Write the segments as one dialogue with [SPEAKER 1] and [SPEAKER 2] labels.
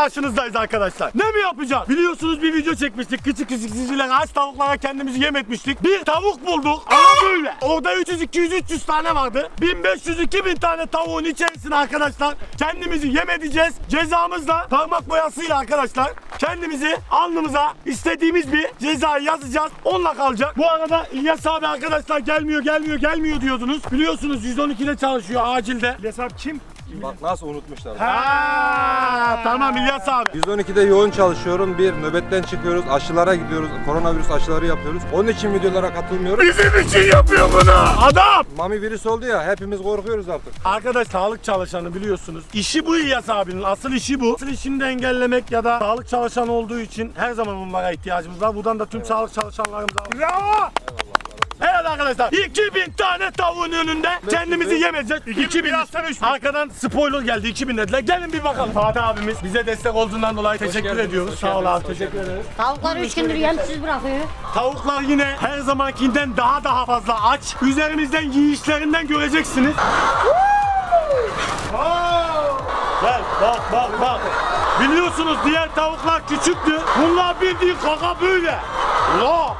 [SPEAKER 1] karşınızdayız arkadaşlar. Ne mi yapacağız? Biliyorsunuz bir video çekmiştik. Küçük sizler aç tavuklara kendimizi yem etmiştik. Bir tavuk bulduk ama böyle. Orada 300, 200, 300 tane vardı. 1500, 2000 tane tavuğun içerisine arkadaşlar kendimizi yem edeceğiz. Cezamız da parmak boyasıyla arkadaşlar kendimizi alnımıza istediğimiz bir cezayı yazacağız. Onunla kalacak. Bu arada İlyas abi arkadaşlar gelmiyor diyordunuz. Biliyorsunuz 112'de çalışıyor acilde.
[SPEAKER 2] İlyas abi kim?
[SPEAKER 3] Bak nasıl unutmuşlar.
[SPEAKER 1] Tamam İlyas abi.
[SPEAKER 3] 112'de yoğun çalışıyorum. Bir nöbetten çıkıyoruz. Aşılara gidiyoruz. Koronavirüs aşıları yapıyoruz. Onun için videolara katılmıyorum.
[SPEAKER 1] Bizim için yapıyor bunu. Adam.
[SPEAKER 3] Mami virüs oldu ya, hepimiz korkuyoruz artık.
[SPEAKER 1] Arkadaş sağlık çalışanı biliyorsunuz. İşi bu İlyas abinin. Asıl işi bu. Asıl işini de engellemek ya da sağlık çalışanı olduğu için her zaman onlara ihtiyacımız var. Buradan da tüm sağlık çalışanlarımıza. Bravo. Evet arkadaşlar 2000 tane tavuğun önünde kendimizi yemeyeceğiz. 2000 arkadan spoiler geldi 2000 dediler. Gelin bir bakalım. Fatih abimiz bize destek olduğundan dolayı teşekkür ediyoruz. Sağ ol abi, teşekkür ederiz.
[SPEAKER 4] Tavukları 3 gündür yemsiz bırakıyor.
[SPEAKER 1] Tavuklar yine her zamankinden daha fazla aç. Üzerimizden yiyişlerinden göreceksiniz. Gel bak. Biliyorsunuz diğer tavuklar küçüktü. Bunlar bildiğin kaka böyle. La.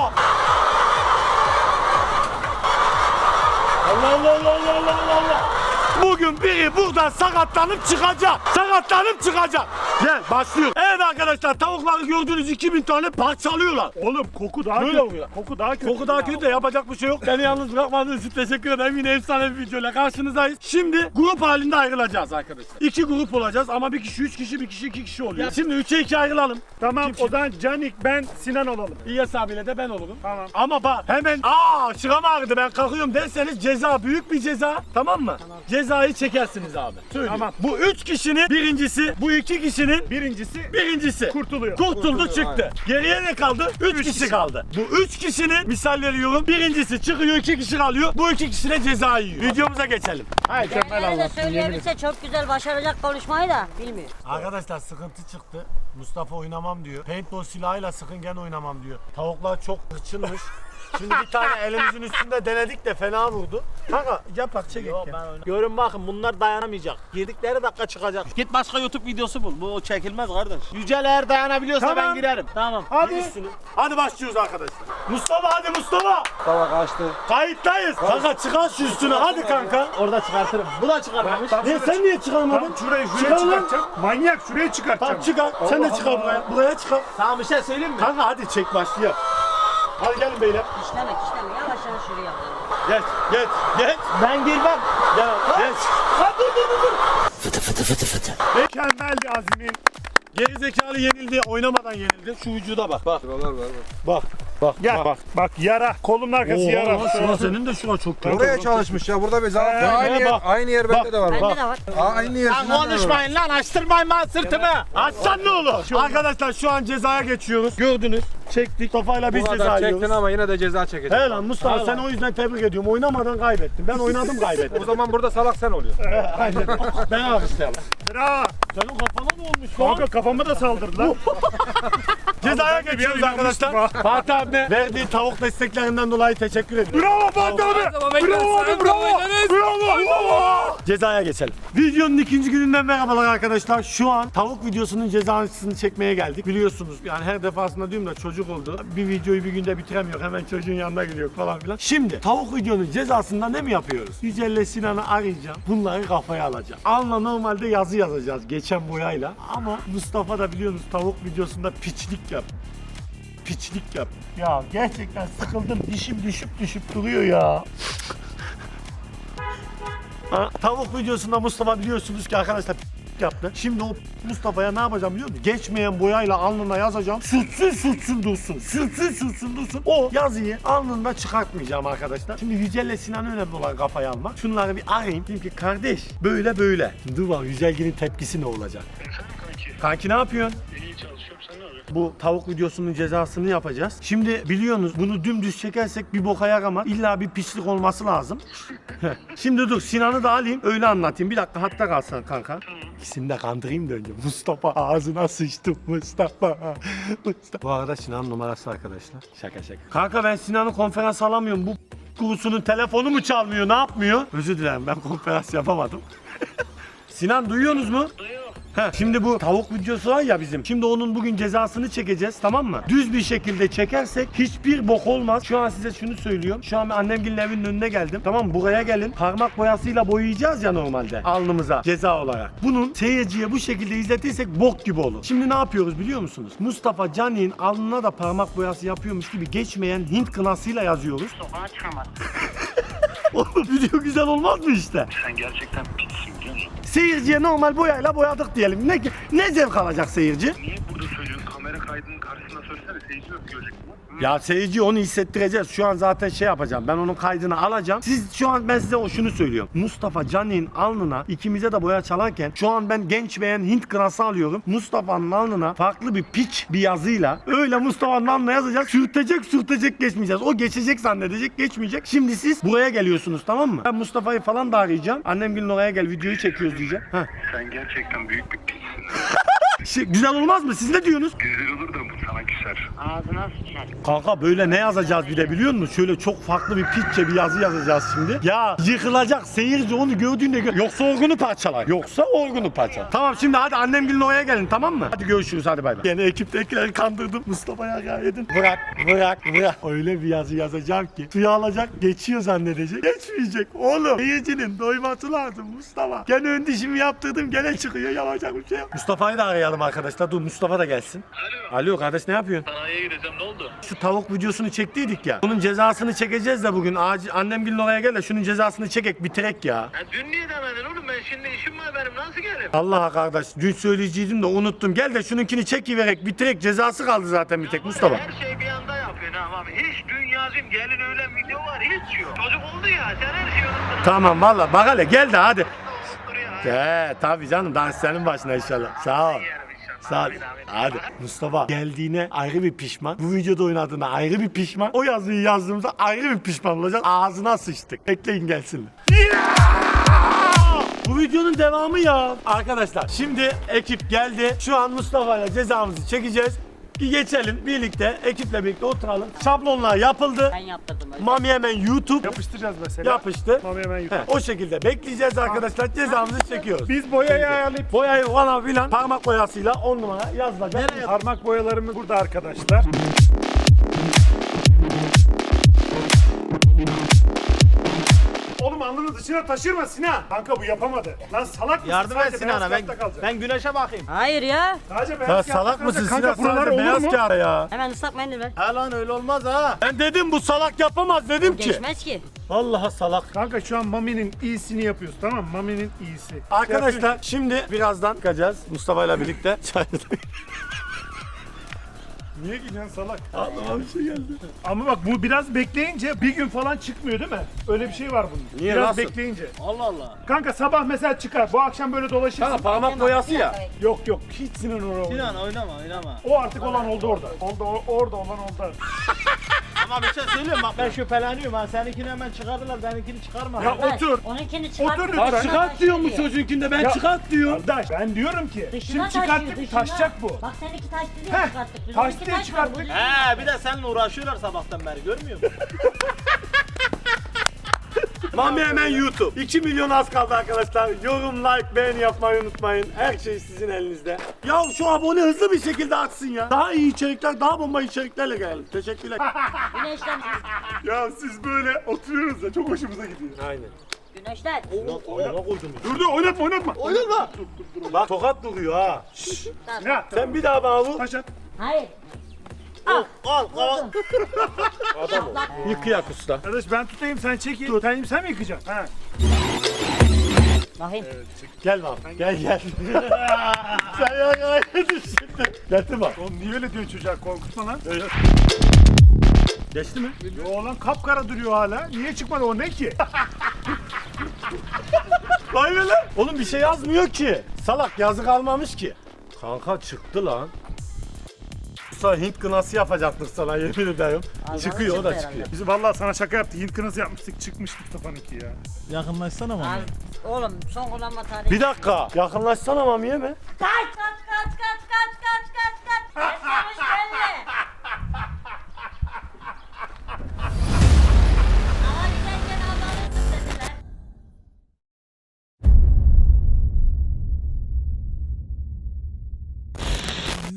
[SPEAKER 1] Allah. Bugün biri buradan sakatlanıp çıkacak. Gel başlıyor. Evet arkadaşlar tavukları gördüğünüz 2000 tane parçalıyorlar.
[SPEAKER 2] Oğlum koku daha
[SPEAKER 1] Böyle
[SPEAKER 2] kötü.
[SPEAKER 1] oluyor.
[SPEAKER 2] Koku daha kötü.
[SPEAKER 1] Koku daha kötü de yapacak bir şey yok. Beni yalnız bırakmadığınız için teşekkür ederim. Yine efsane bir videoyla karşınızdayız. Şimdi grup halinde ayrılacağız arkadaşlar. 2 grup olacağız ama bir kişi 3 kişi bir kişi 2 kişi oluyor. Şimdi 3'e 2 ayrılalım.
[SPEAKER 2] Tamam o zaman Canik, ben, Sinan olalım.
[SPEAKER 1] İlyas abiyle de ben olurum.
[SPEAKER 2] Tamam.
[SPEAKER 1] Ama bak hemen şıram ağrıdı ben kalkıyorum derseniz ceza büyük bir ceza, tamam mı? Tamam. Cezayı çekersiniz abi. Söyleyeyim.
[SPEAKER 2] Tamam.
[SPEAKER 1] Bu 3 kişinin birincisi, bu 2 kişinin
[SPEAKER 2] Birincisi
[SPEAKER 1] kurtuluyor.
[SPEAKER 3] Kurtuluyor,
[SPEAKER 1] Çıktı.
[SPEAKER 3] aynen.
[SPEAKER 1] Geriye ne kaldı? 3 kişi kaldı. Bu 3 kişinin misal veriyorum. Birincisi çıkıyor, 2 kişi kalıyor. Bu 2 kişi de ceza yiyor. Videomuza geçelim.
[SPEAKER 4] Diğerleri de söyleyebilse çok güzel başaracak konuşmayı da bilmiyor.
[SPEAKER 1] Arkadaşlar sıkıntı çıktı. Mustafa oynamam diyor. Paintball silahıyla sıkın gene oynamam diyor. Tavuklar çok hırçınmış. Şimdi bir tane elimizin üstünde denedik de fena vurdu. Kanka yapak çek.
[SPEAKER 5] Görün bakın bunlar dayanamayacak. Girdikleri dakika çıkacak. Git başka YouTube videosu bul. Bu çekilmez kardeş. Yücel eğer dayanabiliyorsa
[SPEAKER 1] Tamam.
[SPEAKER 5] ben girerim. Tamam.
[SPEAKER 1] Hadi başlıyoruz arkadaşlar. Hadi Mustafa.
[SPEAKER 3] Tava kaçtı.
[SPEAKER 1] Kayıttayız. Kanka çıkar şu üstünü hadi kanka.
[SPEAKER 5] Orada çıkartırım. Bu da çıkarmamış.
[SPEAKER 1] Sen niye çıkarmadın?
[SPEAKER 2] Tam şuraya
[SPEAKER 1] Çıkar lan.
[SPEAKER 2] çıkartacağım. Manyak şuraya çıkartacağım.
[SPEAKER 1] Tamam çıkar. Sen de çıkar buraya. Buraya çıkar.
[SPEAKER 5] Sana bir şey söyleyeyim mi?
[SPEAKER 1] Kanka hadi çek başlayalım. Hadi gelin beyler.
[SPEAKER 4] İşleme. Yavaş şuraya.
[SPEAKER 1] Geç.
[SPEAKER 5] Ben girmem.
[SPEAKER 1] Geç.
[SPEAKER 2] Mükemmel bir azimin.
[SPEAKER 1] Geri zekalı yenildi. Oynamadan yenildi. Şu vücuda bak.
[SPEAKER 3] Şuralar var.
[SPEAKER 2] Gel. Bak yara. Kolun arkası yara.
[SPEAKER 1] Şuna senin de şuna çok kötü.
[SPEAKER 3] Buraya çalışmış ya. Burada bir zaten aynı yer.
[SPEAKER 1] bak.
[SPEAKER 3] Aynı yer bende de var.
[SPEAKER 4] Bende de var.
[SPEAKER 3] Aynı yer.
[SPEAKER 5] Lan konuşmayın lan. Açtırmayın lan sırtımı.
[SPEAKER 1] Açsan ne olur? Arkadaşlar şu an cezaya geçiyoruz. Gördünüz. Çektik. Mustafa'yla biz
[SPEAKER 3] Bu
[SPEAKER 1] ceza
[SPEAKER 3] kadar çektin
[SPEAKER 1] yiyoruz.
[SPEAKER 3] ama yine de ceza çekeceksin.
[SPEAKER 1] He lan Mustafa sen o yüzden tebrik ediyorum. Oynamadan kaybettin. Ben oynadım kaybettim.
[SPEAKER 3] O zaman burada salak sen oluyorsun.
[SPEAKER 1] Aynen. Ben alkışlayalım.
[SPEAKER 2] Bravo.
[SPEAKER 1] Senin kafana ne olmuş lan?
[SPEAKER 2] Kanka kafama da saldırdılar.
[SPEAKER 1] Cezaya geçiyoruz arkadaşlar. Fatih abime verdiği tavuk desteklerinden dolayı teşekkür ediyorum.
[SPEAKER 2] Bravo Fatih abi. Bravo.
[SPEAKER 1] Cezaya geçelim. Videonun ikinci gününden merhabalar arkadaşlar. Şu an tavuk videosunun cezasını çekmeye geldik. Biliyorsunuz yani her defasında diyorum da çocuk oldu. Bir videoyu bir günde bitiremiyor. Hemen çocuğun yanına gidiyor falan filan. Şimdi tavuk videonun cezasında ne mi yapıyoruz? Yücel'le Sinan'ı arayacağım. Bunları kafaya alacağım. Anla normalde yazı yazacağız geçen boyayla. Ama Mustafa da biliyorsunuz tavuk videosunda piçlik yap. Ya gerçekten sıkıldım. Dişim düşüp duruyor ya. Tavuk videosunda Mustafa biliyorsunuz ki arkadaşlar yaptı. Şimdi o Mustafa'ya ne yapacağım biliyor musun? Geçmeyen boyayla alnına yazacağım. Sürtsün dursun. O yazıyı alnında çıkartmayacağım arkadaşlar. Şimdi Yücel'le Sinan'ın önemli olan kafayı almak. Şunları bir arayayım. Diyeyim ki kardeş böyle. Dur bak Yücel'in tepkisi ne olacak? Kanki ne yapıyorsun?
[SPEAKER 6] İyi çalışıyorum, sen ne yapıyorsun?
[SPEAKER 1] Bu tavuk videosunun cezasını yapacağız. Şimdi biliyorsunuz bunu dümdüz çekersek bir boka yaramaz. İlla bir pislik olması lazım. Şimdi dur Sinan'ı da alayım öyle anlatayım. Bir dakika hatta kalsın kanka. İkisini de kandırayım da önce. Mustafa ağzına sıçtı Mustafa. Bu arada Sinan'ın numarası arkadaşlar. Şaka. Kanka ben Sinan'ı konferans alamıyorum. Bu kurusunun telefonu mu çalmıyor ne yapmıyor? Özür dilerim ben konferans yapamadım. Sinan duyuyorsunuz mu?
[SPEAKER 6] Duyuyor.
[SPEAKER 1] Şimdi bu tavuk videosu var ya bizim. Şimdi onun bugün cezasını çekeceğiz, tamam mı? Düz bir şekilde çekersek hiçbir bok olmaz. Şu an size şunu söylüyorum. Şu an ben annemgilin evinin önüne geldim. Tamam mı? Buraya gelin. Parmak boyasıyla boyayacağız ya normalde. Alnımıza ceza olarak. Bunun seyirciye bu şekilde izletirsek bok gibi olur. Şimdi ne yapıyoruz biliyor musunuz? Mustafa Cani'nin alnına da parmak boyası yapıyormuş gibi geçmeyen Hint kınasıyla yazıyoruz.
[SPEAKER 6] Sokağa çıkamaz.
[SPEAKER 1] Oğlum video güzel olmaz mı işte?
[SPEAKER 6] Sen gerçekten pissin biliyor musun?
[SPEAKER 1] Seyirciye normal boyayla boyadık diyelim. Ne zevk alacak seyirci?
[SPEAKER 6] Niye burada söylüyorsun? Kamera kaydının karşısında söylesene. Seyirci nasıl görecek bunu?
[SPEAKER 1] Ya seyirci onu hissettireceğiz. Şu an zaten şey yapacağım. Ben onun kaydını alacağım. Şu an ben size şunu söylüyorum. Mustafa Cani'nin alnına ikimize de boya çalarken şu an ben genç beğen Hint kınası alıyorum. Mustafa'nın alnına farklı bir piç bir yazıyla öyle Mustafa'nın alnına yazacak. Sürtecek geçmeyeceğiz. O geçecek zannedecek, geçmeyecek. Şimdi siz buraya geliyorsunuz, tamam mı? Ben Mustafa'yı falan da arayacağım. Annemgilin oraya gel, videoyu çekiyoruz diyeceğim. Heh.
[SPEAKER 6] Sen gerçekten büyük bir pissin.
[SPEAKER 1] Güzel olmaz mı? Siz ne diyorsunuz?
[SPEAKER 6] Güzel olur da bu sana küser.
[SPEAKER 4] Ağzına sıçar.
[SPEAKER 1] Kanka böyle ne yazacağız bir de biliyor musun? Şöyle çok farklı bir pitçe bir yazı yazacağız şimdi. Ya yıkılacak seyirci onu gördüğünde yoksa orgunu parçalar. Tamam şimdi hadi annemgilin oraya gelin, tamam mı? Hadi görüşürüz, hadi bay bay. Yine ekiptekileri kandırdım. Mustafa'ya edin. Bırak. Öyle bir yazı yazacağım ki suya alacak, geçiyor zannedecek. Geçmeyecek. Oğlum seyircinin doyması lazım Mustafa. Gene ön dişimi yaptırdım, gene çıkıyor, yapacak bir şey yok. Mustafa'yı da arayalım arkadaşlar. Dur Mustafa da gelsin. Alo kardeş, ne yapıyorsun?
[SPEAKER 6] Sanayiye gideceğim, ne oldu?
[SPEAKER 1] Şu tavuk videosunu çektiydik ya. Bunun cezasını çekeceğiz de bugün. Annemgilin oraya gel de şunun cezasını çekek, bitirek ya.
[SPEAKER 6] Dün niye demedin oğlum? Ben şimdi işim var benim. Nasıl gelirim?
[SPEAKER 1] Allah kardeş, dün söyleyeceydim de unuttum. Gel de şununkini çekiverek bitirek, cezası kaldı zaten bir tek Mustafa.
[SPEAKER 6] Her şey bir anda yapıyorsun ama hiç dünyacım gelin öyle video var hiç yok. Çocuk oldu ya sen her şeyi unuttun.
[SPEAKER 1] Tamam valla bak hele gel de hadi.
[SPEAKER 6] Unuttur ya.
[SPEAKER 1] Tabii canım, daha senin başına inşallah. Sağ ol. Sağ ol. Hadi Mustafa geldiğine ayrı bir pişman. Bu videoda oynadığına ayrı bir pişman. O yazıyı yazdığımızda ayrı bir pişman olacak. Ağzına sıçtık. Bekleyin gelsin. Bu videonun devamı ya. Arkadaşlar şimdi ekip geldi. Şu an Mustafa'yla cezamızı çekeceğiz. Bir geçelim birlikte, ekiple birlikte oturalım. Şablonlar yapıldı.
[SPEAKER 4] Ben yaptırdım öyle.
[SPEAKER 1] Mami hemen YouTube
[SPEAKER 2] Yapıştıracağız mesela.
[SPEAKER 1] yapıştı.
[SPEAKER 2] Mami hemen YouTube.
[SPEAKER 1] O şekilde bekleyeceğiz arkadaşlar. Cezamızı çekiyoruz.
[SPEAKER 2] Biz boyayı ayarlayıp
[SPEAKER 1] Boyayı falan filan parmak boyasıyla 10 numara yazılacak.
[SPEAKER 2] parmak boyalarımız burada arkadaşlar. Oğlum alnını dışına taşırma Sinan. Kanka bu yapamadı. Lan salak mısın?
[SPEAKER 5] Yardım et
[SPEAKER 2] Sadece
[SPEAKER 5] Sinan'a,
[SPEAKER 2] beyaz kağıtta kalacak.
[SPEAKER 5] ben güneşe bakayım.
[SPEAKER 4] Hayır ya.
[SPEAKER 2] Sadece beyaz
[SPEAKER 1] Ya
[SPEAKER 2] kağıtta
[SPEAKER 1] salak
[SPEAKER 2] kalacak.
[SPEAKER 1] mısın
[SPEAKER 2] Kanka
[SPEAKER 1] Sinan?
[SPEAKER 2] buralar
[SPEAKER 1] Sadece
[SPEAKER 2] olur
[SPEAKER 1] beyaz
[SPEAKER 2] mu?
[SPEAKER 1] kağıt ya.
[SPEAKER 4] Hemen ıslak mendil ver.
[SPEAKER 5] Ha lan öyle olmaz ha.
[SPEAKER 1] Ben dedim bu salak yapamaz dedim ki.
[SPEAKER 4] Geçmez ki.
[SPEAKER 1] Vallahi salak.
[SPEAKER 2] Kanka şu an Mami'nin iyisini yapıyoruz, tamam mı? Mami'nin iyisi.
[SPEAKER 1] Arkadaşlar şimdi birazdan çıkacağız Mustafa ile birlikte.
[SPEAKER 2] Niye gidiyorsun salak?
[SPEAKER 1] Aklıma bir şey geldi.
[SPEAKER 2] Ama bak bu biraz bekleyince bir gün falan çıkmıyor değil mi? Öyle bir şey var bunun.
[SPEAKER 1] Niye,
[SPEAKER 2] Biraz
[SPEAKER 1] nasıl?
[SPEAKER 2] bekleyince.
[SPEAKER 5] Allah Allah.
[SPEAKER 2] Kanka sabah mesela çıkar. Bu akşam böyle dolaşırsın.
[SPEAKER 1] Kanka parmak boyası ya.
[SPEAKER 2] Yok hiç Sinan oraya.
[SPEAKER 5] Sinan oynama.
[SPEAKER 2] O artık olan oldu orada. Orada olan oldu.
[SPEAKER 5] Ama bir şey söyleyeyim bak ben şüpheleniyorum ha. Seninkini hemen çıkardılar, benimkini çıkarma.
[SPEAKER 2] Ya
[SPEAKER 4] Ver.
[SPEAKER 2] otur.
[SPEAKER 4] Onunkini çıkart.
[SPEAKER 2] Otur
[SPEAKER 1] Bak
[SPEAKER 2] lütfen.
[SPEAKER 1] çıkart diyor mu çocuğunkinde ben
[SPEAKER 2] Ya-
[SPEAKER 1] çıkart diyor.
[SPEAKER 2] Kardeş ben diyorum ki
[SPEAKER 4] Dışına
[SPEAKER 2] şimdi çıkarttık
[SPEAKER 4] dışına.
[SPEAKER 2] taşacak bu.
[SPEAKER 4] Bak seninki taştı diye
[SPEAKER 2] Heh,
[SPEAKER 4] çıkarttık. Biz
[SPEAKER 2] taş
[SPEAKER 4] onunki
[SPEAKER 2] diye
[SPEAKER 4] taşmadı,
[SPEAKER 2] çıkarttık.
[SPEAKER 4] bu düzgün.
[SPEAKER 5] He bir de seninle uğraşıyorlar sabahtan beri görmüyor musun?
[SPEAKER 1] Mami hemen YouTube. 2 milyon az kaldı arkadaşlar. Yorum, like, beğeni yapmayı unutmayın. Her şey sizin elinizde. Ya şu abone hızlı bir şekilde atsın ya. Daha iyi içerikler, daha bomba içeriklerle gelelim. Teşekkürler.
[SPEAKER 4] Güneşten.
[SPEAKER 2] Ya siz böyle oturuyoruz da çok hoşumuza gidiyor.
[SPEAKER 1] Aynen.
[SPEAKER 4] Güneşten.
[SPEAKER 2] Dur oynatma.
[SPEAKER 1] Oynama. Bak tokat duruyor ha.
[SPEAKER 2] Ya
[SPEAKER 1] Sen bir daha bana vur.
[SPEAKER 2] taş at.
[SPEAKER 4] Hayır.
[SPEAKER 5] Al.
[SPEAKER 1] Yıkıyak usta.
[SPEAKER 2] Kardeş ben tutayım sen çekil. Sen mi yıkacaksın? Ha.
[SPEAKER 4] Bakayım.
[SPEAKER 1] Gel bak. Gel. Sen ya düştün. Getir bak.
[SPEAKER 2] Oğlum niye öyle diyor çocuğa, korkutma lan.
[SPEAKER 1] Geçti mi?
[SPEAKER 2] Yo lan kapkara duruyor hala. Niye çıkmadı o ne ki?
[SPEAKER 1] Vay be lan. Oğlum bir şey yazmıyor ki. Salak yazık almamış ki. Kanka çıktı lan. Usta Hint kınası yapacaktık sana yemin ederim.
[SPEAKER 4] Ağzına
[SPEAKER 1] Çıkıyor o da
[SPEAKER 4] çıktı
[SPEAKER 1] çıkıyor.
[SPEAKER 2] Biz vallahi sana şaka yaptık. Hint kınası yapmıştık, çıkmış Mustafa'nınki ya.
[SPEAKER 5] Yakınlaşsana mı?
[SPEAKER 4] Oğlum son kullanma tarihi.
[SPEAKER 1] Bir dakika. Yakınlaşsana Mami'ye mi?
[SPEAKER 4] Kaç. Yaşamış belli. Ama giderken Allah'ın dediler.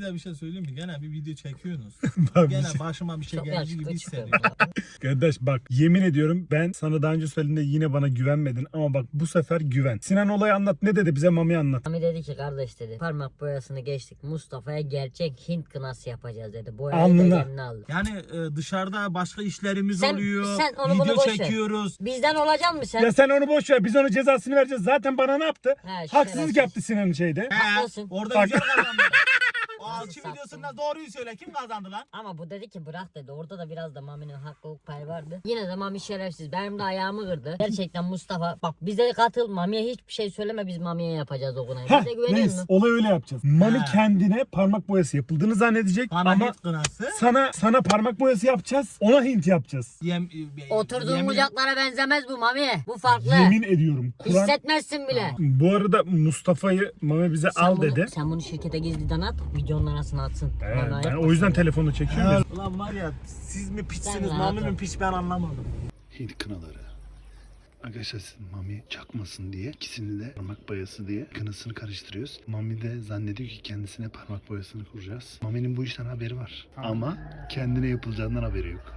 [SPEAKER 5] size bir şey söyleyeyim mi? Gene bir video çekiyorsunuz. Gene başıma bir şey
[SPEAKER 4] Çok
[SPEAKER 5] geldi
[SPEAKER 4] yakışıklı
[SPEAKER 5] gibi
[SPEAKER 4] çıkıyor.
[SPEAKER 5] hissediyorum.
[SPEAKER 2] Kardeş bak yemin ediyorum ben sana daha önce söylediğimde yine bana güvenmedin ama bak bu sefer güven. Sinan olayı anlat, ne dedi bize, Mami anlat.
[SPEAKER 4] Mami dedi ki kardeş dedi parmak boyasını geçtik, Mustafa'ya gerçek Hint kınası yapacağız dedi. Boyayı
[SPEAKER 2] Alnına.
[SPEAKER 4] da kendine aldı.
[SPEAKER 5] Yani dışarıda başka işlerimiz
[SPEAKER 4] Sen-
[SPEAKER 5] oluyor.
[SPEAKER 4] sen onu bunu
[SPEAKER 5] Video
[SPEAKER 4] boş ver.
[SPEAKER 5] çekiyoruz.
[SPEAKER 4] Bizden olacak mı sen?
[SPEAKER 2] Ya sen onu boş ver, biz onun cezasını vereceğiz. Zaten bana ne yaptı?
[SPEAKER 4] He,
[SPEAKER 2] Haksızlık
[SPEAKER 4] şerefsiz.
[SPEAKER 2] yaptı Sinan'ın şeyde.
[SPEAKER 4] Haklısın.
[SPEAKER 5] Orada
[SPEAKER 2] Bak.
[SPEAKER 5] güzel kazandı. O alçı
[SPEAKER 4] Sattın.
[SPEAKER 5] videosunda doğruyu söyle. Kim kazandı lan?
[SPEAKER 4] Ama bu dedi ki bırak dedi. Orada da biraz da Mami'nin haklılık payı vardı. Yine de Mami şerefsiz. Benim de ayağımı kırdı. Gerçekten Mustafa bak bize katıl. Mami'ye hiçbir şey söyleme, biz Mami'ye yapacağız o kınayı.
[SPEAKER 2] Heh,
[SPEAKER 4] Bize güveniyor
[SPEAKER 2] neyse
[SPEAKER 4] musun?
[SPEAKER 2] olay öyle yapacağız. Mami
[SPEAKER 5] Ha.
[SPEAKER 2] kendine parmak boyası yapıldığını zannedecek
[SPEAKER 5] Bana
[SPEAKER 2] ama
[SPEAKER 5] Hint kınası.
[SPEAKER 2] sana parmak boyası yapacağız. Ona Hint yapacağız.
[SPEAKER 4] Oturduğun
[SPEAKER 5] yemin-
[SPEAKER 4] kucaklara benzemez bu Mami. Bu farklı.
[SPEAKER 2] Yemin ediyorum. Kur'an.
[SPEAKER 4] Hissetmezsin bile.
[SPEAKER 2] Bu arada Mustafa'yı Mami bize al dedi.
[SPEAKER 4] Sen bunu şirkete gizliden at. Videonun arasına atsın. Bana
[SPEAKER 2] Ben
[SPEAKER 4] yapma.
[SPEAKER 2] o yüzden telefonu çekiyorum. ya.
[SPEAKER 5] Ulan var ya siz mi
[SPEAKER 4] Sen
[SPEAKER 5] piçsiniz,
[SPEAKER 4] rahat
[SPEAKER 5] Mami
[SPEAKER 4] ol.
[SPEAKER 5] mi piç ben anlamadım.
[SPEAKER 7] Hint kınaları. Arkadaşlar Mami çakmasın diye ikisini de parmak boyası diye kınasını karıştırıyoruz. Mami de zannediyor ki kendisine parmak boyasını kuracağız. Mami'nin bu işten haberi var. Ama kendine yapılacağından haberi yok.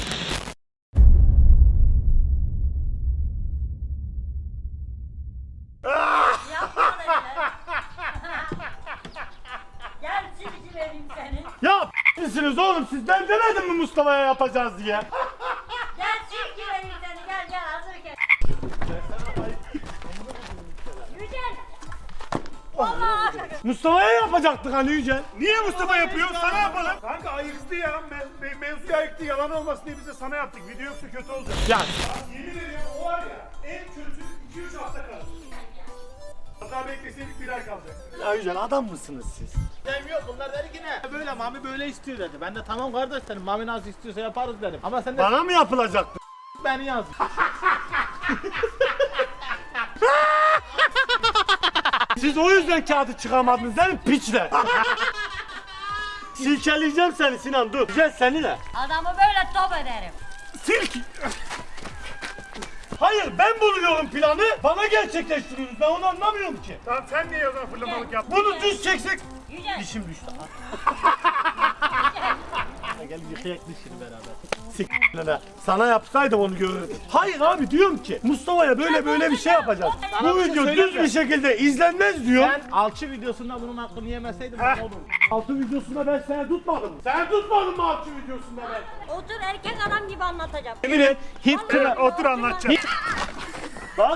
[SPEAKER 4] Gel silgi vereyim seni.
[SPEAKER 1] Ya misiniz oğlum siz? Ben demedim mi Mustafa'ya yapacağız diye?
[SPEAKER 4] Gel silgi vereyim seni. Gel hazır gel. Yücel. Vallahi.
[SPEAKER 1] Mustafa'ya yapacaktık hani Yücel.
[SPEAKER 2] Niye Mustafa yapıyor? Sana yapalım. Kanka ayıktı ya. Mevzuyu ayıktı. Yalan olmasın diye bize sana yaptık. Video yoksa kötü olacak.
[SPEAKER 1] Ya
[SPEAKER 2] Yemin ediyorum o var ya en kötü 2-3 hafta kalır. Hatta bekleseydik bir ay kalacak.
[SPEAKER 1] Ya Yücel adam mısınız siz?
[SPEAKER 5] Dem yok, bunlar dedi ki ne? Böyle Mami böyle istiyor dedi. Ben de tamam kardeş dedim. Mami nasıl istiyorsa yaparız dedim. Ama sen de
[SPEAKER 1] Bana mı yapılacaktı?
[SPEAKER 5] beni yaz.
[SPEAKER 1] Siz o yüzden kağıdı çıkamadınız değil mi piçler? Silkeleyeceğim seni Sinan dur. Yücel seni de.
[SPEAKER 4] Adamı böyle top ederim.
[SPEAKER 1] Silk. Hayır ben buluyorum planı. Bana gerçekleştiriyorsunuz. Ben onu anlamıyorum ki.
[SPEAKER 2] Tamam sen niye o zaman fırlamalık yaptın?
[SPEAKER 1] Bunu düz çeksek.
[SPEAKER 4] Yücel.
[SPEAKER 1] Dişim düştü.
[SPEAKER 5] Gel yıkayak dişini beraber.
[SPEAKER 1] S***ine. Sana yapsaydım onu görürdüm. Hayır abi diyorum ki Mustafa'ya böyle bir şey yapacağız.
[SPEAKER 5] Sana
[SPEAKER 1] Bu
[SPEAKER 5] bir şey
[SPEAKER 1] video
[SPEAKER 5] söyleyeyim
[SPEAKER 1] düz
[SPEAKER 5] mi?
[SPEAKER 1] bir şekilde izlenmez diyor.
[SPEAKER 5] Ben alçı videosunda bunun hakkını yemeseydim ne olur?
[SPEAKER 1] Altı videosunda ben seni tutmadım. Sen tutmadın mı altı videosunda ben?
[SPEAKER 4] Otur erkek adam gibi anlatacağım.
[SPEAKER 1] Emin et.
[SPEAKER 2] Hint kına otur anlatacağım.
[SPEAKER 1] Bak.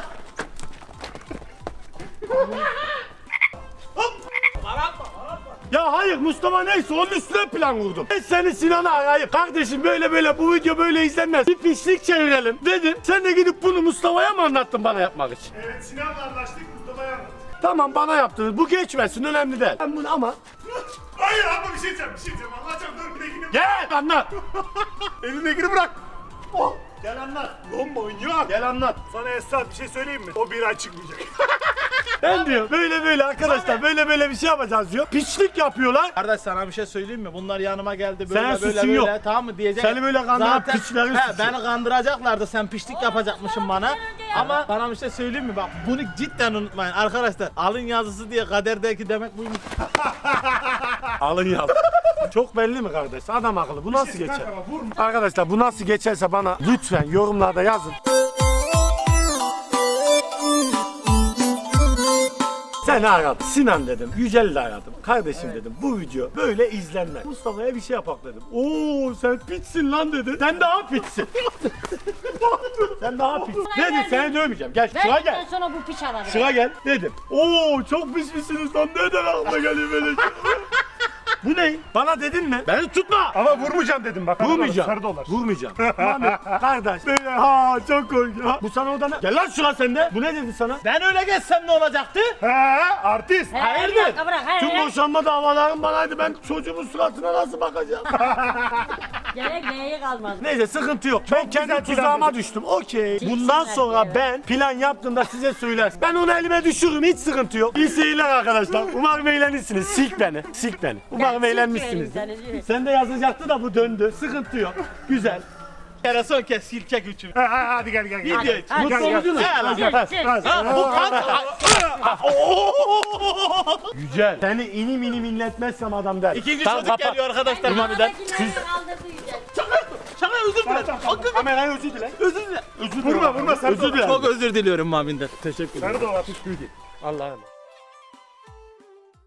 [SPEAKER 1] Ya hayır Mustafa neyse onun üstüne plan kurdum. Ben seni Sinan'a arayıp kardeşim böyle bu video böyle izlenmez. Bir pislik çevirelim dedim. Sen de gidip bunu Mustafa'ya mı anlattın bana yapmak için?
[SPEAKER 2] Evet Sinan'la anlaştık, Mustafa'ya anlattık.
[SPEAKER 1] Tamam bana yaptınız. Bu geçmesin önemli değil. Ben bunu ama
[SPEAKER 2] Hayır ama bir şey diyeceğim, Anlatacağım dur bir de yine.
[SPEAKER 1] gel anlat.
[SPEAKER 2] Elindekini bırak.
[SPEAKER 1] Oh, gel anlat.
[SPEAKER 2] Manyak.
[SPEAKER 1] Gel anlat.
[SPEAKER 2] Sana Esat bir şey söyleyeyim mi? O bir ay çıkmayacak.
[SPEAKER 1] Ben diyor böyle arkadaşlar böyle bir şey yapacağız diyor. Piçlik yapıyorlar.
[SPEAKER 5] Kardeş sana bir şey söyleyeyim mi? Bunlar yanıma geldi
[SPEAKER 1] Senin
[SPEAKER 5] böyle
[SPEAKER 1] suçun yok.
[SPEAKER 5] tamam mı diyecek.
[SPEAKER 1] Seni böyle kandıran
[SPEAKER 5] Zaten-
[SPEAKER 1] piçlerin
[SPEAKER 5] He,
[SPEAKER 1] suçu.
[SPEAKER 5] beni kandıracaklardı, sen pişlik yapacakmışsın bana. Ama bana bir şey söyleyeyim mi? Bak bunu cidden unutmayın arkadaşlar. Alın yazısı diye kaderdeki demek buymuş.
[SPEAKER 1] Alın ya. Çok belli mi kardeş? Adam akıllı. Bu nasıl geçer?
[SPEAKER 2] Kanka bak, vurma.
[SPEAKER 1] Arkadaşlar bu nasıl geçerse bana lütfen yorumlarda yazın. Seni aradım. Sinan dedim. Yücel'i de aradım. Kardeşim dedim. Bu video böyle izlenmez. Mustafa'ya bir şey yapak dedim. Oo sen piçsin lan dedi. Sen daha piçsin. Sen daha piçsin. Dedim seni dövmeyeceğim. Gel şuraya
[SPEAKER 4] Ben
[SPEAKER 1] gel.
[SPEAKER 4] sonra bu piç alırım.
[SPEAKER 1] Şuraya gel dedim. Oo çok pis misiniz lan. Neden aklıma geliyor böyle şey? Bu ne? Bana dedin mi? Beni tutma.
[SPEAKER 2] Ama vurmayacağım dedim bak.
[SPEAKER 1] Vurmayacağım.
[SPEAKER 2] Sarı dolar.
[SPEAKER 1] Vurmayacağım. Mami kardeş. Böyle çok korkuyor. Bu sana oda ne? Gel lan şuna sen de. Bu ne dedi sana?
[SPEAKER 5] Ben öyle geçsem ne olacaktı?
[SPEAKER 2] He artist.
[SPEAKER 4] He,
[SPEAKER 5] Hayırdır?
[SPEAKER 4] bir dakika bırak. He,
[SPEAKER 1] Tüm
[SPEAKER 4] he.
[SPEAKER 1] boşanma davalarım banaydı. Ben çocuğumun suratına nasıl bakacağım?
[SPEAKER 4] Gerek neye kalmaz.
[SPEAKER 1] Neyse sıkıntı yok. Ben kendi
[SPEAKER 2] güzel plan
[SPEAKER 1] tuzağıma
[SPEAKER 2] dedim.
[SPEAKER 1] düştüm. Okey.
[SPEAKER 4] Siksinler
[SPEAKER 1] Bundan sonra
[SPEAKER 4] diye.
[SPEAKER 1] ben plan yaptığımda size söylerim. Ben onu elime düşürürüm. Hiç sıkıntı yok. İyi seyirler arkadaşlar. Umarım eğlenirsiniz. Silk beni. Silk beni. Umarım
[SPEAKER 4] silk
[SPEAKER 1] eğlenmişsiniz.
[SPEAKER 4] vereyim seni.
[SPEAKER 1] Sen de yazacaktı da bu döndü. Sıkıntı yok. Güzel.
[SPEAKER 5] Kere son kez silkek üçü.
[SPEAKER 2] Hadi gel.
[SPEAKER 5] Video
[SPEAKER 4] Hadi,
[SPEAKER 5] Mutlu
[SPEAKER 2] gel.
[SPEAKER 5] oldunuz.
[SPEAKER 1] Hadi,
[SPEAKER 5] He lan.
[SPEAKER 1] hadi.
[SPEAKER 5] Ha, bu kanka.
[SPEAKER 1] Yücel. Seni inim inim inletmezsem adam der.
[SPEAKER 5] İkinci
[SPEAKER 1] Tamam,
[SPEAKER 5] çocuk
[SPEAKER 1] kapat.
[SPEAKER 5] geliyor arkadaşlar Mami'den. Şaka özür dilerim.
[SPEAKER 1] Kamerayı özür dile.
[SPEAKER 5] Özür dilerim.
[SPEAKER 1] Özür dile. Vurma sen. Özür dile.
[SPEAKER 5] Çok özür diliyorum Mami'den.
[SPEAKER 1] Teşekkür ederim. Sarı dolar. Allah'a emanet.